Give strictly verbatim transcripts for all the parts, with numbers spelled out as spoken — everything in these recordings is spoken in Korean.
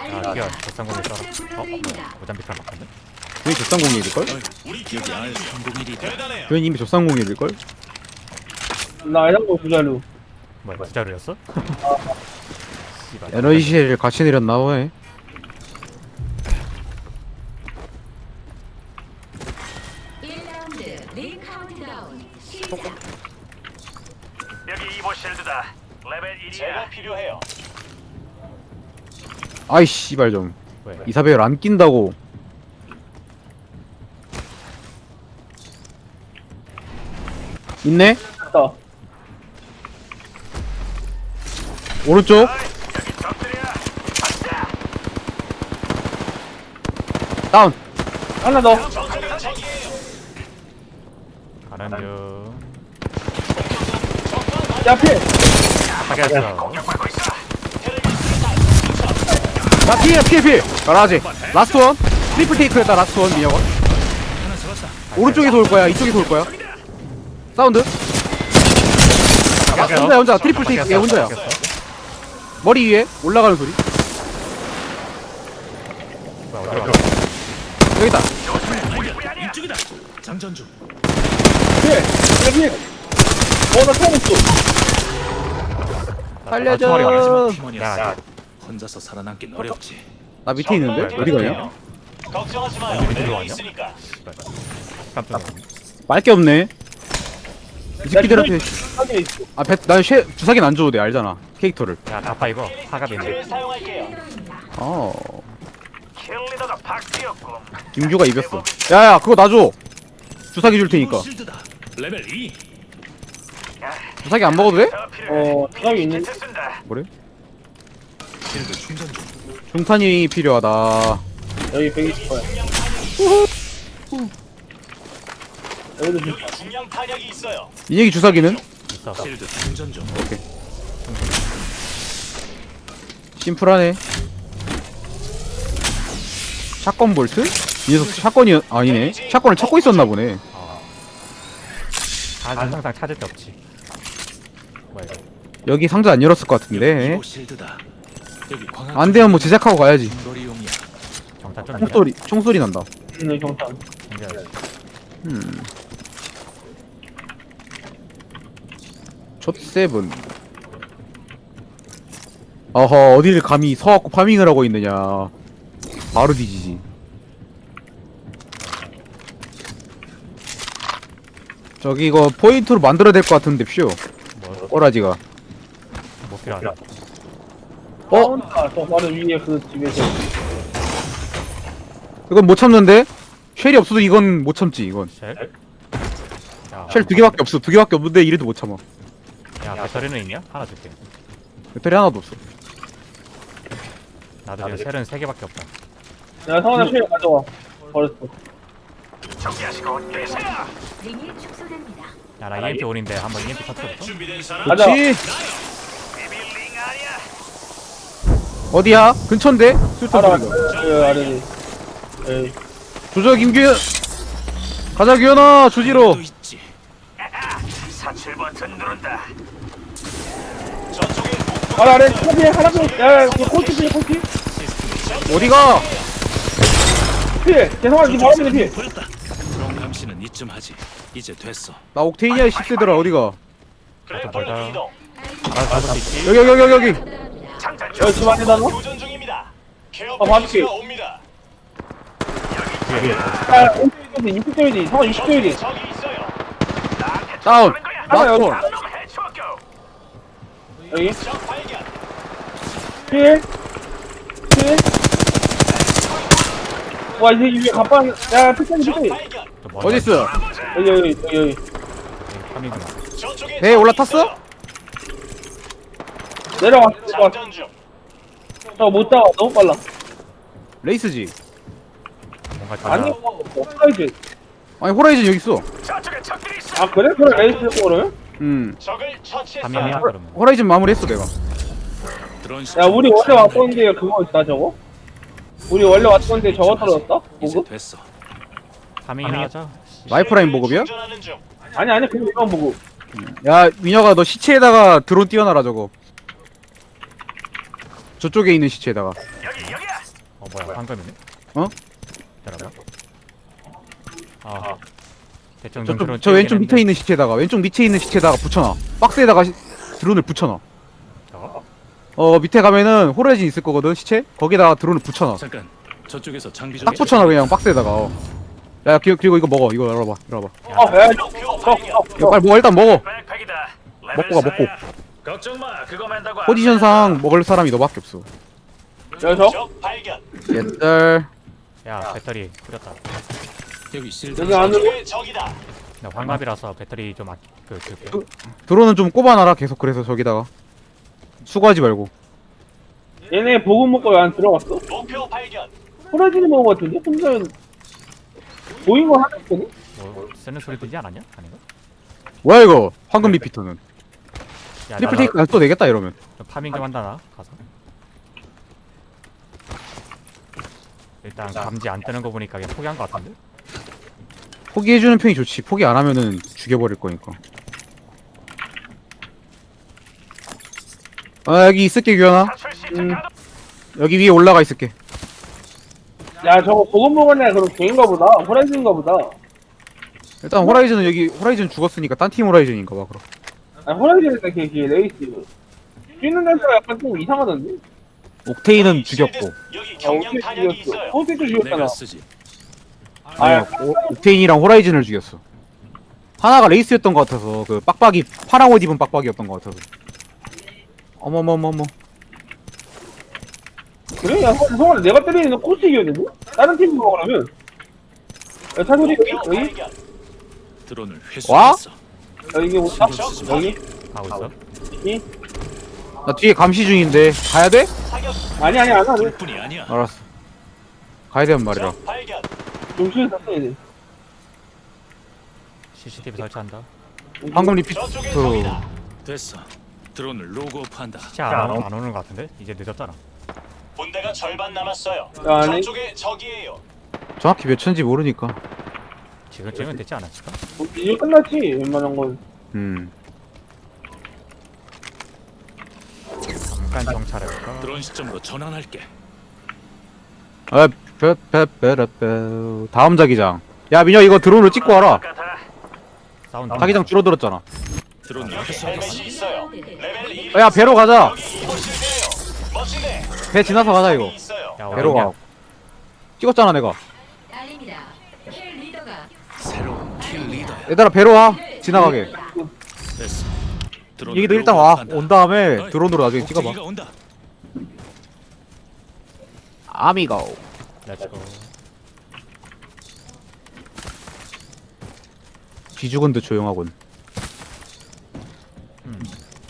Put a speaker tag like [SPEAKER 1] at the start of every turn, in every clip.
[SPEAKER 1] 아 이게 저상공이 따라 어? 뭐야 모잠비크랑 바꿨네?
[SPEAKER 2] 교인 조쌍공일일걸?
[SPEAKER 3] 여기 알 삼공일이다.
[SPEAKER 2] 교인 이미 조쌍공일일걸?
[SPEAKER 4] 나 이런 거 부자루.
[SPEAKER 1] 뭐야 진짜로였어? 씨발
[SPEAKER 2] 에너지실을 같이 내렸나 보네.
[SPEAKER 5] 일 라운드 링 카운트다운 시작.
[SPEAKER 6] 여기 이보 실드다. 레벨 일이야. 제가 필요해요.
[SPEAKER 2] 아이 씨발 좀
[SPEAKER 1] 왜?
[SPEAKER 2] 이사벨 안 낀다고. 있네?
[SPEAKER 4] 있다.
[SPEAKER 2] 오른쪽
[SPEAKER 6] 여기 적들이야.
[SPEAKER 2] 다운.
[SPEAKER 4] 하나 더.
[SPEAKER 6] 적들은 적이에요.
[SPEAKER 1] 가는 중
[SPEAKER 4] 야, 필.
[SPEAKER 1] 파괴했어
[SPEAKER 6] 공격받고 있어.
[SPEAKER 2] 나 피해 피해 피해. 가라지. 라스트 원. 트리플 테이크였다 라스트 원 민혁아. 오른쪽에서 올 거야. 이쪽에서 올 거야. 사운드. 아, 혼자야 혼자. 트리플 테이크 얘 혼자야. 머리 위에 올라가는 소리.
[SPEAKER 1] 뭐야 어디로 가?
[SPEAKER 2] 여기 있다.
[SPEAKER 3] 이쪽이다. 장전 중.
[SPEAKER 4] 필. 야, 필. 어, 나 처음 있어.
[SPEAKER 2] 살려줘.
[SPEAKER 3] 마지막
[SPEAKER 1] 야,
[SPEAKER 3] 팀원이었어. 혼자서 살아남긴 어렵지.
[SPEAKER 2] 나 밑에 있는데? 어디 가냐?
[SPEAKER 6] 걱정하지 마요.
[SPEAKER 1] 밑으로
[SPEAKER 6] 내가
[SPEAKER 1] 가냐?
[SPEAKER 6] 있으니까.
[SPEAKER 1] 깜짝 놀랐네
[SPEAKER 2] 말게 없네. 이 새끼들한테
[SPEAKER 4] 하게 있어.
[SPEAKER 2] 아, 배, 난 쉐, 주사기는 안 줘도 돼, 알잖아. 캐릭터를.
[SPEAKER 1] 야 다파 이거 파갑이네
[SPEAKER 6] 를 사용할게요.
[SPEAKER 2] 어.
[SPEAKER 6] 킬리더가 박쥐였군.
[SPEAKER 2] 김규가 이겼어. 야야, 그거 놔줘. 주사기 줄 테니까.
[SPEAKER 3] 실드다. 레벨 이.
[SPEAKER 2] 주사기 안 먹어도 돼?
[SPEAKER 6] 더 필요해.
[SPEAKER 4] 어, 사람이 있는.
[SPEAKER 6] 키트 쓴다.
[SPEAKER 2] 뭐래?
[SPEAKER 3] 실드 충전 중.
[SPEAKER 2] 중탄이 필요하다.
[SPEAKER 4] 여기 백이십 거야. 여기도 좀.
[SPEAKER 6] 중량 탄약이 있어요.
[SPEAKER 2] 인혁이 주사기는?
[SPEAKER 1] 있어
[SPEAKER 3] 실드 충전 중.
[SPEAKER 2] 심플하네. 샷건 볼트? 이 녀석 샷건이 아니네. 샷건을 찾고 있었나 보네.
[SPEAKER 1] 아 항상 찾을 데 없지 뭐야 이거
[SPEAKER 2] 여기 상자 안 열었을 것 같은데.
[SPEAKER 3] 이보 실드다. 여기 광학.
[SPEAKER 2] 안 되면 뭐 제작하고 가야지.
[SPEAKER 3] 거리용이야.
[SPEAKER 1] 정타 좀 있냐?
[SPEAKER 2] 총소리, 총소리 난다.
[SPEAKER 4] 있는 경탄.
[SPEAKER 1] 챙겨야지
[SPEAKER 2] 음. 촛세븐. 어허, 어디를 감히 서갖고 파밍을 하고 있느냐. 바로 뒤지지. 저기 이거 포인트로 만들어야 될 것 같은데 퓨.
[SPEAKER 1] 뭐
[SPEAKER 2] 꼬라지가.
[SPEAKER 1] 못 필요하다
[SPEAKER 2] 어?
[SPEAKER 4] 아, 저 바로 위에 그 집에서.
[SPEAKER 2] 이건 못 참는데? 쉘이 없어도 이건 못 참지 이건.
[SPEAKER 1] 쉘? 야,
[SPEAKER 2] 쉘 두 개밖에 없어. 두 개밖에 없는데 이래도 못 참아.
[SPEAKER 1] 야 배터리는 있냐? 하나 줄게
[SPEAKER 2] 배터리 하나도 없어.
[SPEAKER 1] 나도 지금 쉘은 세 개밖에 없다
[SPEAKER 4] 내가 성원아 필 가져와. 버렸어.
[SPEAKER 6] 정리하시고 계세요.
[SPEAKER 5] 링이 축소됩니다.
[SPEAKER 1] 야나 이엠피 올인데 한번 이엠피 터트려볼까?
[SPEAKER 6] 준비된 사람.
[SPEAKER 4] 가자.
[SPEAKER 2] 그렇지.
[SPEAKER 6] 비빌링 아니야.
[SPEAKER 2] 어디야? 근처인데? 술탄
[SPEAKER 4] 알아.
[SPEAKER 2] 소리가.
[SPEAKER 4] 그 아래니. 에이.
[SPEAKER 2] 조져 김규현. 가자 규현아 주지로.
[SPEAKER 3] 또 있지.
[SPEAKER 6] 사칠 버튼 누른다. 저쪽에
[SPEAKER 4] 아, 아래 코피 하나 더. 야, 야, 그 코치 필 코치.
[SPEAKER 2] 어디가?
[SPEAKER 4] 필. 죄송한 니 바로 앞에 필.
[SPEAKER 3] 보였다. 그런 감시는 이쯤 하지. 이제 됐어.
[SPEAKER 2] 나 옥테인이야 십 세들아 어디가?
[SPEAKER 6] 그래
[SPEAKER 1] 벌다.
[SPEAKER 6] 방향 이동.
[SPEAKER 1] 알아서 잡을 수 있지?
[SPEAKER 2] 여기 여기 여기 여기.
[SPEAKER 6] 장전
[SPEAKER 4] 여기 집 안에다 넣어?
[SPEAKER 6] 교전 중입니다. 케어
[SPEAKER 4] 아, 봐줄게.
[SPEAKER 6] 패키지가 옵니다.
[SPEAKER 4] 야, 오십 조이디, 육십 조이디, 성원 육십 조이디.
[SPEAKER 6] 적이 있어요. 나한테
[SPEAKER 2] 다운.
[SPEAKER 6] 쳐오는 거야.
[SPEAKER 4] 하나 여기.
[SPEAKER 2] 라스트
[SPEAKER 6] 놈 해치웠고.
[SPEAKER 4] 여기.
[SPEAKER 6] 적 발견.
[SPEAKER 4] 필. 필. 와, 이제 위에 갑방. 야, 필살기
[SPEAKER 6] 적
[SPEAKER 4] 필살기.
[SPEAKER 6] 발견.
[SPEAKER 1] 또 뭐야?
[SPEAKER 2] 어딨어?
[SPEAKER 4] 여기, 여기, 여기, 여기.
[SPEAKER 1] 파밍구나
[SPEAKER 6] 저쪽에
[SPEAKER 2] 배에
[SPEAKER 6] 적이
[SPEAKER 2] 올라탔어?
[SPEAKER 6] 있어요.
[SPEAKER 4] 내려왔어. 내려왔어.
[SPEAKER 6] 장전 중.
[SPEAKER 4] 저못 잡아. 너무 빨라.
[SPEAKER 2] 레이스지.
[SPEAKER 1] 뭔가 좀
[SPEAKER 4] 아니, 사이즈.
[SPEAKER 2] 아니 호라이즌 여기 있어.
[SPEAKER 6] 저쪽에 적들이 있어.
[SPEAKER 4] 아, 그래? 그래, 레이스 거를?
[SPEAKER 2] 음.
[SPEAKER 6] 적을 처치했어요.
[SPEAKER 1] 파밍이야 그러면
[SPEAKER 2] 호라이즌 마무리했어 내가.
[SPEAKER 3] 드론
[SPEAKER 4] 야, 우리 원래 왔던 데 그거 있다, 저거? 우리 원래 왔던 데 저거 떨어졌다?
[SPEAKER 3] 이제
[SPEAKER 4] 보급?
[SPEAKER 3] 됐어.
[SPEAKER 1] 파밍이나 하자
[SPEAKER 2] 라이프라인 보급이야?
[SPEAKER 6] 충전하는 중.
[SPEAKER 4] 아니, 아니, 그냥 이건 보급.
[SPEAKER 2] 야 민혁아 너 시체에다가 드론 띄워놔라 저거. 저쪽에 있는 시체에다가.
[SPEAKER 6] 여기 여기야.
[SPEAKER 1] 어 뭐야 황금이네?
[SPEAKER 2] 어?
[SPEAKER 1] 기다려봐. 아 대충
[SPEAKER 2] 저, 저,
[SPEAKER 1] 정도로
[SPEAKER 2] 저 왼쪽 밑에 있는 시체에다가 왼쪽 밑에 있는 시체에다가 붙여놔. 박스에다가 시, 드론을 붙여놔.
[SPEAKER 1] 어?
[SPEAKER 2] 어 밑에 가면은 호라이즌 있을 거거든 시체. 거기다가 드론을 붙여놔.
[SPEAKER 3] 잠깐. 저쪽에서 장비 좀
[SPEAKER 2] 딱 붙여놔 그냥 박스에다가. 어. 야 기- 그리고 이거 먹어. 이거 열어봐. 열어봐.
[SPEAKER 4] 어, 야, 저, 저, 저,
[SPEAKER 2] 이거 빨리 먹어. 일단 먹어.
[SPEAKER 6] 백팩이다.
[SPEAKER 2] 먹고 가 먹고.
[SPEAKER 6] 걱정 마. 그거 맨다고.
[SPEAKER 2] 포지션상 먹을 사람이 너밖에 없어.
[SPEAKER 4] 야, 저,
[SPEAKER 6] 적 발견.
[SPEAKER 2] 옛날
[SPEAKER 1] 야 배터리 뿌렸다.
[SPEAKER 3] 여기 실드.
[SPEAKER 4] 여기 안으로.
[SPEAKER 6] 저쪽에 적이다.
[SPEAKER 1] 나 황갑이라서 배터리 좀 아끼 그 그.
[SPEAKER 2] 드론은 좀 꼽아놔라 계속. 그래서 저기다가 수고하지 말고.
[SPEAKER 4] 얘네 보급 먹고 왜 안 들어갔어?
[SPEAKER 6] 목표 발견.
[SPEAKER 4] 호라지는 먹은 것 같은데? 혼자 보인 거 하나 있거든?
[SPEAKER 1] 뭐 쓰는 소리 들지 않았냐? 아닌가?
[SPEAKER 2] 뭐야 이거 황금 리피터는.
[SPEAKER 1] 야,
[SPEAKER 2] 트리플
[SPEAKER 1] 나-
[SPEAKER 2] 테이크 또 내겠다 이러면.
[SPEAKER 1] 나 파밍 좀 한다 나 가서. 일단 감지 안 뜨는 거 보니까 그냥 포기한 거 같은데?
[SPEAKER 2] 포기해주는 편이 좋지. 포기 안 하면은 죽여버릴 거니까. 아 여기 있을게 규현아.
[SPEAKER 6] 탈출 시작.
[SPEAKER 4] 음.
[SPEAKER 2] 여기 위에 올라가 있을게.
[SPEAKER 4] 야, 저거 보급 먹었네. 그럼 개인가 보다. 호라지인가 보다.
[SPEAKER 2] 일단 호라이즌은 여기 호라이즌 죽었으니까 딴 팀 호라이즌인가 봐 그럼.
[SPEAKER 4] 아, 호라지는 걔, 걔, 레이스. 뛰는 데가 약간 좀 이상하던데?
[SPEAKER 2] 옥테인은 죽였고.
[SPEAKER 6] 여기
[SPEAKER 4] 아,
[SPEAKER 6] 경량
[SPEAKER 4] 어떻게
[SPEAKER 6] 탄약이
[SPEAKER 4] 죽였어?
[SPEAKER 6] 있어요.
[SPEAKER 4] 어떻게 죽였잖아.
[SPEAKER 3] 내가 쓰지.
[SPEAKER 2] 아니 오- 옥테인이랑 호라이즌을 죽였어. 하나가 레이스였던 것 같아서 그 빡빡이 파랑 옷 입은 빡빡이였던 것 같아서. 어머머머머.
[SPEAKER 4] 그래? 야, 성원아, 내가 때리는 코스 이겼는데? 다른 팀 먹으라면? 야, 차소리 여기?
[SPEAKER 6] 목표
[SPEAKER 4] 여기?
[SPEAKER 6] 발견.
[SPEAKER 3] 드론을
[SPEAKER 2] 와?
[SPEAKER 3] 회수했어.
[SPEAKER 4] 야, 이게 뭐, 아, 여기?
[SPEAKER 1] 가고 있어?
[SPEAKER 4] 이?
[SPEAKER 2] 나 뒤에 감시 중인데 가야 돼?
[SPEAKER 6] 사격.
[SPEAKER 4] 아니, 아니, 안 하네.
[SPEAKER 3] 둘뿐이 아니야.
[SPEAKER 2] 알았어. 가야 되는 말이라.
[SPEAKER 6] 적 발견.
[SPEAKER 4] 정신을 샀어, 얘네.
[SPEAKER 1] 씨씨티비 설치한다.
[SPEAKER 2] 황금 리피터.
[SPEAKER 6] 저쪽에 적이다.
[SPEAKER 3] 됐어. 드론을 로그오프한다.
[SPEAKER 1] 시체 안, 오, 안 오는 거 같은데? 이제 늦었잖아.
[SPEAKER 6] 분대가 절반 남았어요.
[SPEAKER 4] 야, 아니.
[SPEAKER 6] 저쪽에 적이에요.
[SPEAKER 2] 정확히 몇 천지 모르니까.
[SPEAKER 1] 지금쯤은 됐지 않았을까?
[SPEAKER 4] 뭐, 이제 끝났지, 웬만한 건.
[SPEAKER 2] 음.
[SPEAKER 1] 잠깐 정찰해볼까?
[SPEAKER 3] 드론 시점으로 전환할게.
[SPEAKER 2] 아, 빼빼빼빼. 다음 자기장. 야 민혁 이거 드론으로 찍고 와라.
[SPEAKER 1] 사운드.
[SPEAKER 2] 자기장 줄어들었잖아.
[SPEAKER 3] 드론을
[SPEAKER 6] 여기
[SPEAKER 3] 회수하겠어.
[SPEAKER 6] 헬멧이 있어요. 레벨 일.
[SPEAKER 2] 야 배로 가자.
[SPEAKER 6] 여기 이곳이네요. 멋진데.
[SPEAKER 2] 배 지나서 가자 이거.
[SPEAKER 6] 있어요.
[SPEAKER 1] 야,
[SPEAKER 2] 배로
[SPEAKER 1] 어디냐?
[SPEAKER 2] 가. 찍었잖아 내가.
[SPEAKER 5] 알립니다. 킬 리더가
[SPEAKER 3] 새로운 킬 리더야.
[SPEAKER 2] 얘들아 배로 와. 지나가게.
[SPEAKER 3] 됐어. 드론을
[SPEAKER 2] 얘기도 일단 와.
[SPEAKER 3] 로그오프한다.
[SPEAKER 2] 온 다음에
[SPEAKER 3] 어이,
[SPEAKER 2] 드론으로 나중에 찍어봐.
[SPEAKER 3] 옥테이가 온다.
[SPEAKER 2] 아미고.
[SPEAKER 1] 렛츠고.
[SPEAKER 2] 뒤죽은 듯 조용하군.
[SPEAKER 1] 음.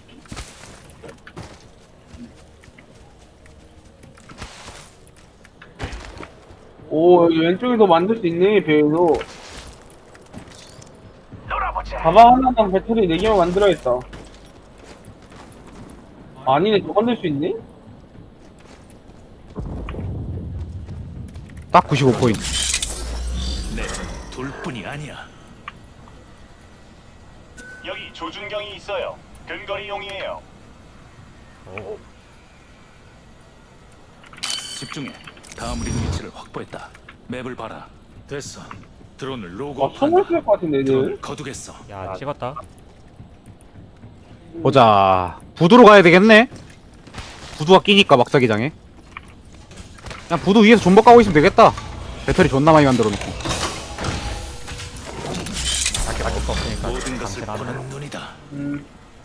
[SPEAKER 4] 오, 여기 왼쪽에도 만들 수 있네, 배에도.
[SPEAKER 6] 놀아보자.
[SPEAKER 4] 가방 하나당 배터리 네 개만 만들어야겠다. 아니네, 저 만들 수 있네?
[SPEAKER 2] 딱 구십오 포인트.
[SPEAKER 3] 네, 둘뿐이 아니야.
[SPEAKER 6] 여기 조준경이 있어요. 근거리용이에요.
[SPEAKER 1] 오.
[SPEAKER 3] 집중해. 다음 링 위치를 확보했다. 맵을 봐라. 됐어. 드론을
[SPEAKER 4] 아,
[SPEAKER 3] 로그오프한다.
[SPEAKER 4] 선물 쓸것 같은데, 애들.
[SPEAKER 3] 드론을 거두겠어.
[SPEAKER 1] 야 찍었다.
[SPEAKER 2] 보자. 부두로 가야 되겠네. 부두가 끼니까 막자기장에. 그냥 부두 위에서 존버 까고 있으면 되겠다. 배터리 존나 많이 만들어 놓고.
[SPEAKER 1] 밖에 나갈 거 없으니까
[SPEAKER 3] 모든 것을
[SPEAKER 1] 감시를 하면
[SPEAKER 3] 보는 눈이다.
[SPEAKER 4] 음.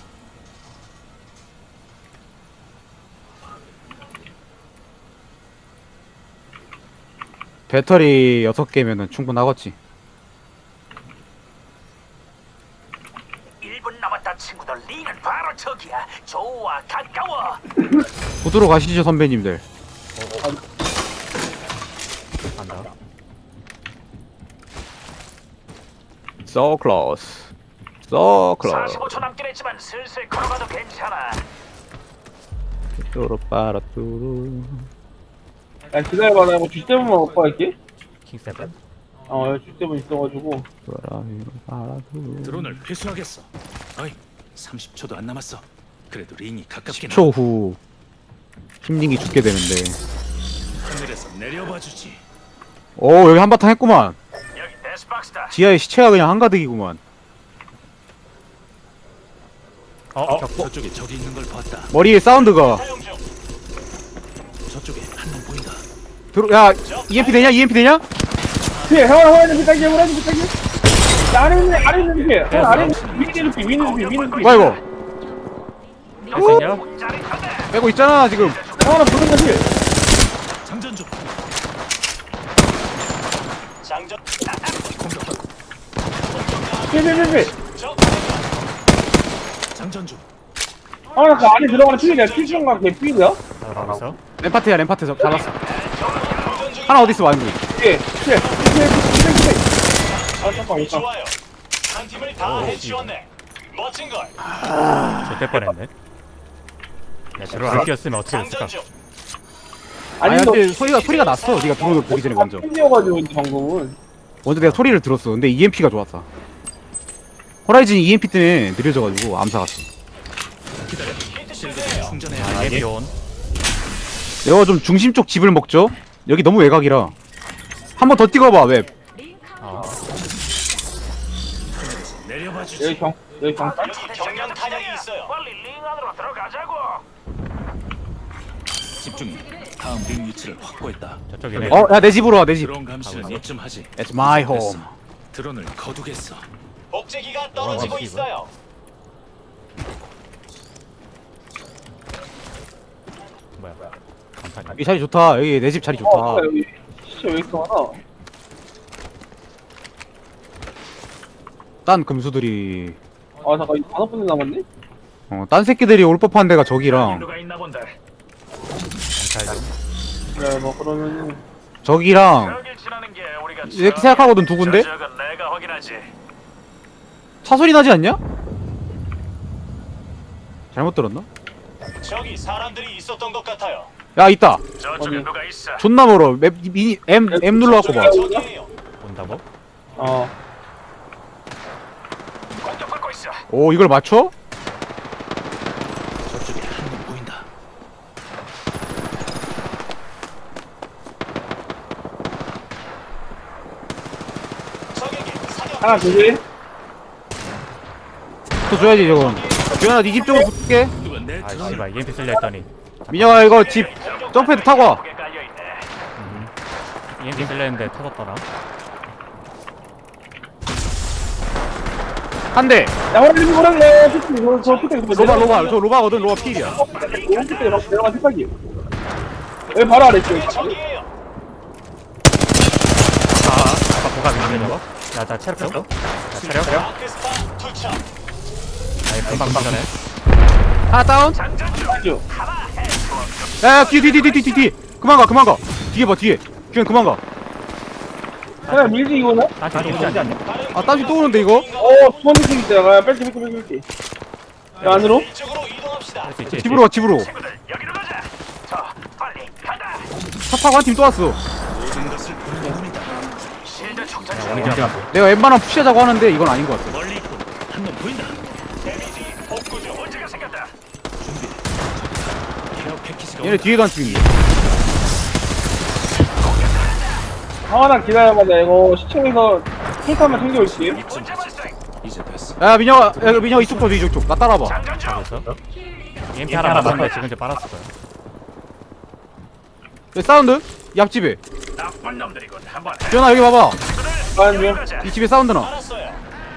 [SPEAKER 2] 배터리 여섯 개면은 충분하겠지.
[SPEAKER 6] 일 분 남았다 친구들. 리는 바로 저기야. 좋아 가까워.
[SPEAKER 2] 부두로 가시죠 선배님들.
[SPEAKER 1] 간다.
[SPEAKER 2] So close. So close.
[SPEAKER 6] 사십오 초 남긴 했지만 슬슬 걸어가도 괜찮아.
[SPEAKER 2] 뚜루빠라뚜루.
[SPEAKER 4] 야, 기다려봐, 나 이거 쥐세븐만 먹고 갈게.
[SPEAKER 1] 킹 세븐.
[SPEAKER 4] 어, 여기 쥐세븐 있어가지고.
[SPEAKER 2] 뚜루빠라뚜루.
[SPEAKER 3] 드론을 회수하겠어. 어이, 삼십 초도 안 남았어. 그래도 링이 가깝게
[SPEAKER 2] 십 초 후 힘링이 죽게 되는데.
[SPEAKER 3] 하늘을 하늘에서 내려봐 주지.
[SPEAKER 2] 오 여기 한바탕 했구만.
[SPEAKER 6] 여기 데스박스다.
[SPEAKER 2] 지하에 시체가 그냥 한가득이구만.
[SPEAKER 1] 어, 저,
[SPEAKER 3] 저쪽에 적이 있는 걸 봤다.
[SPEAKER 2] 머리에 사운드가
[SPEAKER 6] 사용 중.
[SPEAKER 3] 저쪽에 한 놈 보인다.
[SPEAKER 2] 들어. 야 이엠피 되냐? 이엠피 되냐?
[SPEAKER 4] 피해 형아 형아 있는 피딱이야 형아 있는 피딱이야 아래 있는 아래 있는 피해 형 아래 있는 위에 있는 피 위에 있는 피 위에 있는 피
[SPEAKER 2] 뭐야 이거?
[SPEAKER 1] 할수 있냐?
[SPEAKER 2] 빼고 있잖아 지금.
[SPEAKER 4] 형아는 보는 거지
[SPEAKER 3] 장전 중.
[SPEAKER 6] 장전.
[SPEAKER 3] 공격받고.
[SPEAKER 4] 피해 피해 피해
[SPEAKER 3] 장전 중.
[SPEAKER 4] 형아 그 안에 들어가는 피해야 필수인가 걔 피해야?
[SPEAKER 1] 잘하고 있어.
[SPEAKER 2] 램파트야 램파트 잡- 잡았어. 하나 어디 있어 완구.
[SPEAKER 4] 피해 피해 피해 피해 피해 피해 아 잠깐 잠깐
[SPEAKER 6] 좋아요. 한 팀을 다 해치웠네. 멋진 걸.
[SPEAKER 1] 저때 뻔했네. 야, 저를 안 뛰었으면 어떻게 됐을까?
[SPEAKER 6] 장전 중.
[SPEAKER 2] 아니
[SPEAKER 4] 너
[SPEAKER 2] 근데 소리가 소리가 났어. 네가 들어오는 거 보기 전에 먼저.
[SPEAKER 4] 피해가지고 방금은
[SPEAKER 2] 먼저 내가 소리를 들었어. 근데 이엠피가 좋았다. 호라이즌 이엠피 때문에 느려져가지고 암사 갔어.
[SPEAKER 3] 기다려. 실드 충전해야
[SPEAKER 1] 아,
[SPEAKER 3] 해.
[SPEAKER 1] 얘 비온.
[SPEAKER 2] 내가 좀 중심 쪽 집을 먹죠. 여기 너무 외곽이라. 한 번 더 찍어봐 웹.
[SPEAKER 1] 아,
[SPEAKER 3] 내려봐
[SPEAKER 4] 여기
[SPEAKER 3] 주지.
[SPEAKER 4] 경 여기 경찰
[SPEAKER 6] 여기 경량 탄약이 있어요. 빨리 링 안으로 들어가자고.
[SPEAKER 3] 집중해. 다음 링 위치를 확보했다.
[SPEAKER 1] 저쪽이네.
[SPEAKER 2] 어, 야 내 집으로 와 내 집.
[SPEAKER 3] 드론 감시는 이쯤 하지.
[SPEAKER 2] It's my home.
[SPEAKER 3] 됐어. 드론을 거두겠어.
[SPEAKER 6] 복제기가 떨어지고
[SPEAKER 1] 어,
[SPEAKER 6] 있어요.
[SPEAKER 1] 뭐야? 간판이.
[SPEAKER 2] 이 자리 좋다. 여기 내 집 자리 좋다.
[SPEAKER 4] 어 여기 진짜 왜 이렇게 많아
[SPEAKER 2] 딴 금수들이
[SPEAKER 4] 아 잠깐 이거 다섯 분이 남았네?
[SPEAKER 2] 어, 딴 새끼들이 올 법한 데가 저기랑
[SPEAKER 6] 누가 있나 본데.
[SPEAKER 1] 잘 좀.
[SPEAKER 4] 네, 뭐 그러면은
[SPEAKER 2] 저기랑
[SPEAKER 6] 여길 지나는 게 우리가
[SPEAKER 2] 이렇게 생각하거든 두 군데?
[SPEAKER 6] 저 지역은 내가 확인하지.
[SPEAKER 2] 차 소리 나지 않냐? 잘못 들었나?
[SPEAKER 6] 저기 사람들이 있었던 것 같아요.
[SPEAKER 2] 야 있다.
[SPEAKER 6] 저쪽에
[SPEAKER 4] 어디?
[SPEAKER 6] 누가 있어.
[SPEAKER 2] 존나 멀어. 맵 미니 M M 눌러갖고 봐.
[SPEAKER 6] 저기에요.
[SPEAKER 1] 온다고?
[SPEAKER 4] 어
[SPEAKER 6] 공격받고 있어.
[SPEAKER 2] 오 이걸 맞춰?
[SPEAKER 3] 저쪽에 한 놈 보인다.
[SPEAKER 6] 적에게 사격.
[SPEAKER 4] 하나 둘
[SPEAKER 2] 또 줘야지 저건. 주현아 네 집 쪽으로 붙게.
[SPEAKER 3] 누가 내
[SPEAKER 1] 아,
[SPEAKER 3] 드론을
[SPEAKER 1] 씨발, 이엠피 쓸려 했더니.
[SPEAKER 2] 민혁아 이거 집 점프해도 타고 와.
[SPEAKER 6] 거기에 깔려 있네.
[SPEAKER 1] 이엠피 쓸려 했는데 터졌더라.
[SPEAKER 2] 한 대.
[SPEAKER 4] 야 호랑이 호랑이 야 피딱이 저, 저 피딱이
[SPEAKER 2] 로바 로바 저 로바거든. 로바 필이야.
[SPEAKER 4] 오른 피딱이 막 내려간 피딱이 여기 바로 아래 있어 여기.
[SPEAKER 6] 저기에요.
[SPEAKER 1] 아까 보가 있는데 저거? 야, 나 체력 줬어? 야, 체력? 체력?
[SPEAKER 6] 아크스타 투척.
[SPEAKER 1] 아니, 금방 전에.
[SPEAKER 2] 하나 다운.
[SPEAKER 6] 장전 중.
[SPEAKER 4] 쭉.
[SPEAKER 2] 야 뒤 뒤 뒤 뒤 뒤 뒤. 그만 가 그만 가. 뒤에 봐 뒤에. 주현 그만 가.
[SPEAKER 4] 하나 밀지 이거는?
[SPEAKER 1] 아, 저기 오지 않냐?
[SPEAKER 2] 아 딴지 또 오는데 이거?
[SPEAKER 4] 어 두번 느낌 있다 야 뺄게 뺄게 뺄게 뺄게 야 안으로?
[SPEAKER 6] 이쪽으로 이동합시다.
[SPEAKER 1] 할 수 있지?
[SPEAKER 2] 집으로 가 집으로.
[SPEAKER 6] 친구들 여기로 가자. 자, 빨리 가자.
[SPEAKER 2] 차 타고 한 팀 또 왔어.
[SPEAKER 3] 모든 것을 보는 눈이다.
[SPEAKER 6] 실드 충전
[SPEAKER 1] 야,
[SPEAKER 6] 중.
[SPEAKER 1] 우리 그냥
[SPEAKER 2] 내가 웬만하면 푸시하자고 하는데 이건 아닌 것 같아.
[SPEAKER 3] 멀리 있고 한 놈 보인다.
[SPEAKER 6] 데미지 복구 중. 문제가 생겼다.
[SPEAKER 3] 준비. 케어 패키지가
[SPEAKER 2] 얘네 뒤에도 한 팀이네.
[SPEAKER 4] 하나 기다려봐자 이거 시청에서 힐타만 챙겨올게
[SPEAKER 6] 문제 발생.
[SPEAKER 3] 이제 됐어.
[SPEAKER 2] 야 민혁아 야 민혁아 이쪽 봐 이쪽 쪽. 나 따라봐.
[SPEAKER 6] 장전 중.
[SPEAKER 1] 있어? 이엠피 하나 맞았는데 지금 이제 빨았을 거야.
[SPEAKER 2] 여기 사운드? 이 앞집에.
[SPEAKER 6] 나쁜 놈들이군. 한번 해.
[SPEAKER 2] 주현아 여기 봐봐.
[SPEAKER 4] 가는
[SPEAKER 6] 여기로
[SPEAKER 4] 중
[SPEAKER 6] 가자.
[SPEAKER 2] 이 집에 사운드 나.
[SPEAKER 6] 알았어요.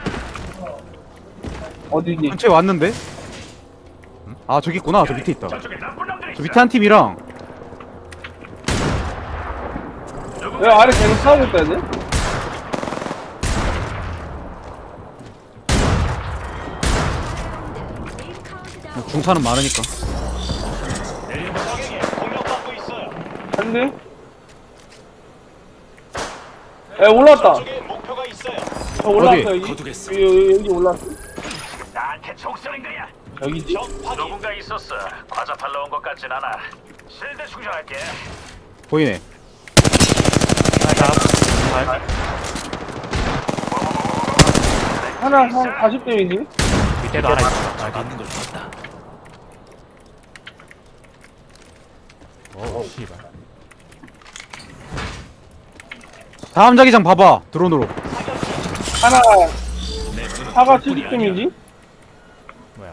[SPEAKER 4] 어디지?
[SPEAKER 2] 근처에 왔는데? 아 저기 있구나. 저 밑에 있다.
[SPEAKER 6] 저쪽에 나쁜 놈들이
[SPEAKER 2] 저
[SPEAKER 6] 있어.
[SPEAKER 2] 밑에 한 팀이랑
[SPEAKER 4] 왜 아래 계속 싸우고 있다 이제?
[SPEAKER 2] 중차는 많으니까.
[SPEAKER 6] 적에게 공격받고 있어요.
[SPEAKER 4] 한대 야 올라왔다
[SPEAKER 6] 저쪽에 목표가 있어요.
[SPEAKER 4] 저 올라왔어
[SPEAKER 2] 어디?
[SPEAKER 4] 여기
[SPEAKER 3] 거두겠어.
[SPEAKER 4] 여기 여기, 여기 올라왔어
[SPEAKER 6] 나한테 총 쏘는 거야.
[SPEAKER 4] 여기지?
[SPEAKER 6] 적 확인. 누군가 있었어. 과자 팔러 온 것 같진 않아. 실드 충전할게.
[SPEAKER 2] 보이네.
[SPEAKER 4] 하나 한 사십 대이지?
[SPEAKER 1] 밑에도 하나 있어. 아,
[SPEAKER 3] 있는 걸 봤다.
[SPEAKER 1] 오, 씨발.
[SPEAKER 2] 다음 자기장 봐봐 드론으로.
[SPEAKER 4] 하나
[SPEAKER 3] 내 눈은
[SPEAKER 4] 사가
[SPEAKER 3] 둘뿐이
[SPEAKER 4] 칠십 점이지?
[SPEAKER 1] 뭐야?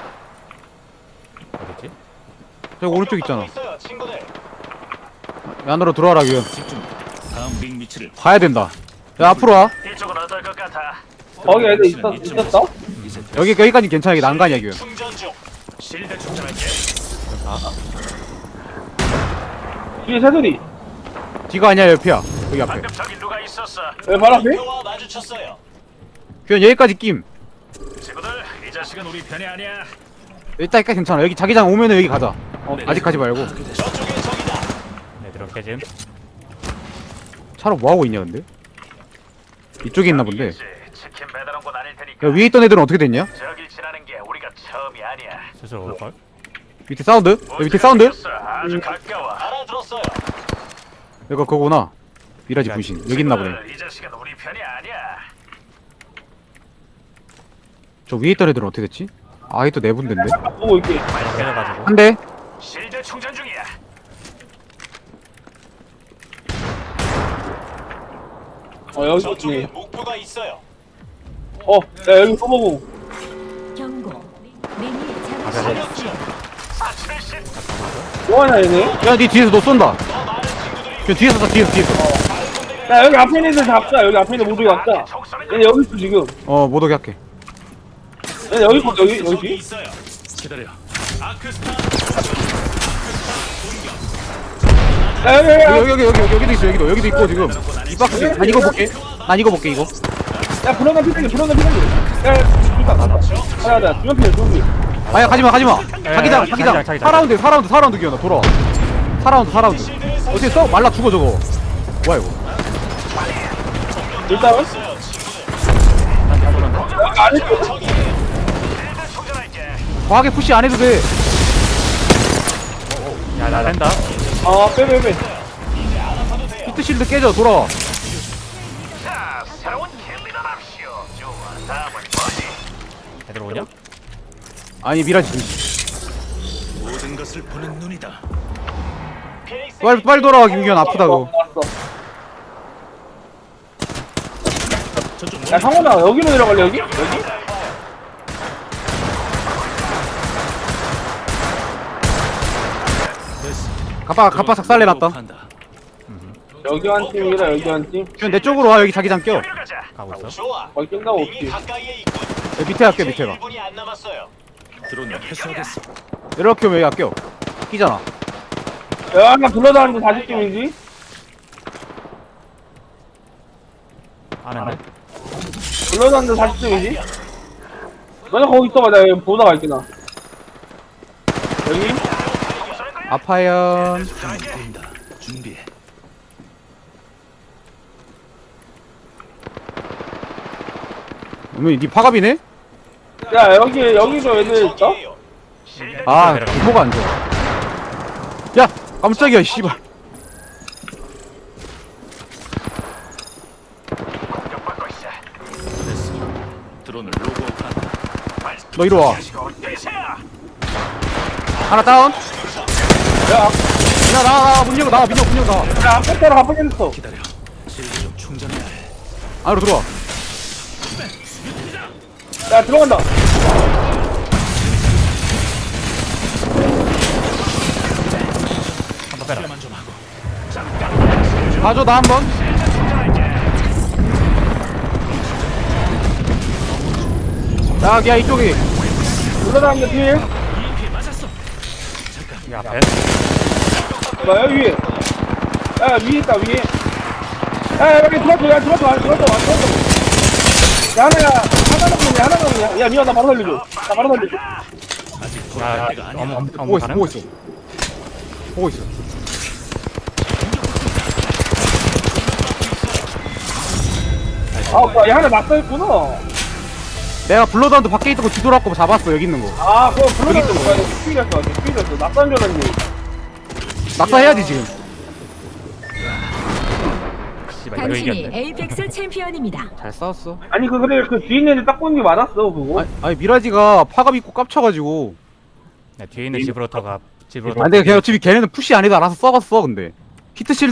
[SPEAKER 1] 어딨지?
[SPEAKER 2] 저기 오른쪽 있잖아.
[SPEAKER 6] 있어요, 친구들.
[SPEAKER 2] 안으로 들어와라 규현.
[SPEAKER 3] 집중. 다음 링 위치를
[SPEAKER 2] 가야 된다. 야 앞으로 와.
[SPEAKER 6] 이쪽은 어떨 것 같아?
[SPEAKER 4] 거기 애들 있었, 있었어?
[SPEAKER 3] 이제
[SPEAKER 2] 여기 여기까지 괜찮아. 이게 난간이야 규현.
[SPEAKER 6] 충전 중. 실드 충전할게.
[SPEAKER 4] 뒤에 새소리.
[SPEAKER 2] 뒤가 아니야 옆이야. 여기 앞에.
[SPEAKER 6] 방금 저기 누가 있었어?
[SPEAKER 4] 왜 바로 앞에?
[SPEAKER 6] 와 마주쳤어요.
[SPEAKER 2] 규현 여기까지 낌.
[SPEAKER 6] 친구들, 이 자식은 우리 편이 아니야.
[SPEAKER 2] 일단 일단 괜찮아. 여기 자기장 오면은 여기 가자.
[SPEAKER 4] 어,
[SPEAKER 2] 아직 가지 말고.
[SPEAKER 6] 저쪽에 적이다.
[SPEAKER 1] 네 들어올게 지금.
[SPEAKER 2] 차로 뭐 하고 있냐 근데? 이쪽에 있나 본데.
[SPEAKER 6] 여기겠지. 치킨 배달원군 아닐 테니까.
[SPEAKER 2] 야 위에 있던 애들은 어떻게 됐냐?
[SPEAKER 6] 저길 지나는 게 우리가 처음이 아니야.
[SPEAKER 1] 슬슬 올걸?
[SPEAKER 2] 밑에 사운드? 야, 밑에 사운드?
[SPEAKER 6] 아주 가까워. 알아들었어요.
[SPEAKER 2] 이거 그거구나. 미라지 분신. 여기 있나 보네.
[SPEAKER 6] 이 자식은 우리 편이 아니야.
[SPEAKER 2] 저 위에 있던 애들은 어떻게 됐지? 아, 이또 네 군데인데?
[SPEAKER 4] 보고 있게.
[SPEAKER 1] 깨져가지고.
[SPEAKER 2] 한 대.
[SPEAKER 6] 실드 충전 중이야.
[SPEAKER 4] 어, 여기 있지.
[SPEAKER 6] 목표가 있어요.
[SPEAKER 4] 어, 야, 여기 써보고.
[SPEAKER 5] 경고. 미니
[SPEAKER 1] 아,
[SPEAKER 5] 잠시
[SPEAKER 1] 그래.
[SPEAKER 6] 사칠십.
[SPEAKER 4] 뭐하냐, 얘네?
[SPEAKER 2] 야, 니 뒤에서 너 쏜다. 그 뒤에서 쏴, 뒤에서, 뒤에서.
[SPEAKER 4] 야, 여기 앞에 있는 애들 잡자. 여기 앞에 있는 모두 잡자. 얘네 여기 있어, 지금.
[SPEAKER 2] 어, 못 오게 할게.
[SPEAKER 4] 얘네 여기 있어, 여기, 여기.
[SPEAKER 6] 있어요.
[SPEAKER 3] 기다려.
[SPEAKER 6] 아크스타.
[SPEAKER 4] 야, 여기, 여기,
[SPEAKER 2] 여기, 여기, 여기, 여기, 여기도 있어, 여기도. 여기도 있고, 지금. 이 박스. 난 이거 볼게. 난 이거 볼게, 이거.
[SPEAKER 4] 야, 불어나 피자기, 불어나 피자기. 야, 야, 죽다, 갔다. 야, 야, 두명 피자, 두명 피자.
[SPEAKER 2] 아야, 가지마, 가지마.
[SPEAKER 1] 야,
[SPEAKER 2] 자기장,
[SPEAKER 1] 야,
[SPEAKER 2] 자기장.
[SPEAKER 1] 자기장, 자기장.
[SPEAKER 2] 사 라운드, 사 라운드, 사 라운드 기어나, 돌아와. 사 라운드, 사 라운드. 어떻게 써? 말라 죽어, 저거. 뭐야, 이거.
[SPEAKER 4] 일단은? 여기 안에 있어.
[SPEAKER 6] 실드 충전할게.
[SPEAKER 2] 과하게 푸시 안 해도 돼.
[SPEAKER 1] 야나 된다.
[SPEAKER 4] 아, 빼, 빼, 빼.
[SPEAKER 2] 히트 실드 깨져, 돌아와.
[SPEAKER 6] 자, 새로운 킬리더 납시오. 좋아. 다음은 뭐지?
[SPEAKER 1] 애들 오냐?
[SPEAKER 2] 아니, 미라지 분신.
[SPEAKER 3] 모든 것을 보는 눈이다.
[SPEAKER 2] 빨리, 빨리 돌아와, 김기현. 아프다고.
[SPEAKER 4] 알았어.
[SPEAKER 3] 저쪽
[SPEAKER 4] 야, 상원아, 여기로 내려갈래, 여기? 여기?
[SPEAKER 2] 가빠, 가빠 삭살내 놨다.
[SPEAKER 3] 한다.
[SPEAKER 4] 여기 한 팀이라, 여기 한 팀.
[SPEAKER 2] 기현 내 쪽으로 와, 여기 자기장 껴.
[SPEAKER 6] 여기로 가자.
[SPEAKER 1] 가고 있어.
[SPEAKER 6] 좋아.
[SPEAKER 4] 거기 낀다고 없지.
[SPEAKER 6] 가까이에 있군.
[SPEAKER 2] 여기 밑에 할게, 밑에 가.
[SPEAKER 6] 일 분이 안 남았어요.
[SPEAKER 3] 드론을 회수하겠어.
[SPEAKER 2] 이렇게 오면 여기 껴. 끼잖아.
[SPEAKER 4] 야, 나 불러다니는데 사십 팀이지?
[SPEAKER 1] 안 했네.
[SPEAKER 4] 불러다니는데 사십 팀이지? 너네 거기 있어봐, 내가 여기 보다 갈게, 나. 여기?
[SPEAKER 2] 아파연.
[SPEAKER 3] 보인다. 준비해.
[SPEAKER 2] 어머니, 니 파갑이네?
[SPEAKER 4] 야, 여기, 여기도 애들 있어?
[SPEAKER 2] 아, 규모가 안 좋아. 야, 깜짝이야, 씨발.
[SPEAKER 6] 공격받고 있어.
[SPEAKER 3] 드론을 로그아웃한다.
[SPEAKER 2] 너 이리 와.
[SPEAKER 6] 대세야.
[SPEAKER 2] 하나 다운.
[SPEAKER 4] 야,
[SPEAKER 2] 야, 나와, 나와, 문 열고 나와, 민혁, 문 열고 나와.
[SPEAKER 4] 야, 앞에 따라 가보겠어.
[SPEAKER 3] 기다려. 실드 좀 충전해야 해.
[SPEAKER 2] 안으로 들어와.
[SPEAKER 4] 야, 들어간다.
[SPEAKER 1] 한번 빼라.
[SPEAKER 3] 만 좀 하고.
[SPEAKER 2] 봐줘, 나 한 번. 야, 야, 이쪽이.
[SPEAKER 4] 불러다니는데 뒤에.
[SPEAKER 1] 이 앞에.
[SPEAKER 4] 나 여기 위에. 야, 위에 있다, 위에. 야, 야, 여기 들어왔어, 야, 들어왔어, 안 들어왔어, 안 들어왔어. 야, 하나야, 하나 남았냐, 하나 남았냐. 야, 미안, 나 바로 살려줘. 나 바로 살려줘.
[SPEAKER 1] 아,
[SPEAKER 3] 때가 아니야.
[SPEAKER 1] 어머 어머
[SPEAKER 2] 보고
[SPEAKER 1] 어머
[SPEAKER 2] 있어,
[SPEAKER 1] 가능?
[SPEAKER 2] 보고 있어. 보고 있어.
[SPEAKER 4] 아, 오빠, 야, 하나 낙서했구나.
[SPEAKER 2] 내가 블러드한테 밖에 있던 거 뒤돌았고 잡았어, 여기 있는 거.
[SPEAKER 4] 아, 그거 불러다니는 거야. 스피드였어, 스피드였어. 낙서한 줄 알았는데.
[SPEAKER 2] 낙사해야지, 지금.
[SPEAKER 1] 씨발 이거
[SPEAKER 5] 당신이
[SPEAKER 1] 이겼네.
[SPEAKER 5] 에이펙스 챔피언입니다.
[SPEAKER 2] 잘 싸웠어.
[SPEAKER 4] 아니, 그, 그래, 그 뒤에 있는 애들 딱 보는 게 맞았어, 그거.
[SPEAKER 2] 아니, 아니 미라지가 파갑 입고 깝쳐가지고.
[SPEAKER 1] 네, 뒤에 있는 지브로터가 지브로터.
[SPEAKER 2] 아, 근데 걔 어차피 걔네는 푸시 안 해도 알아서 썩었어, 근데. 히트 실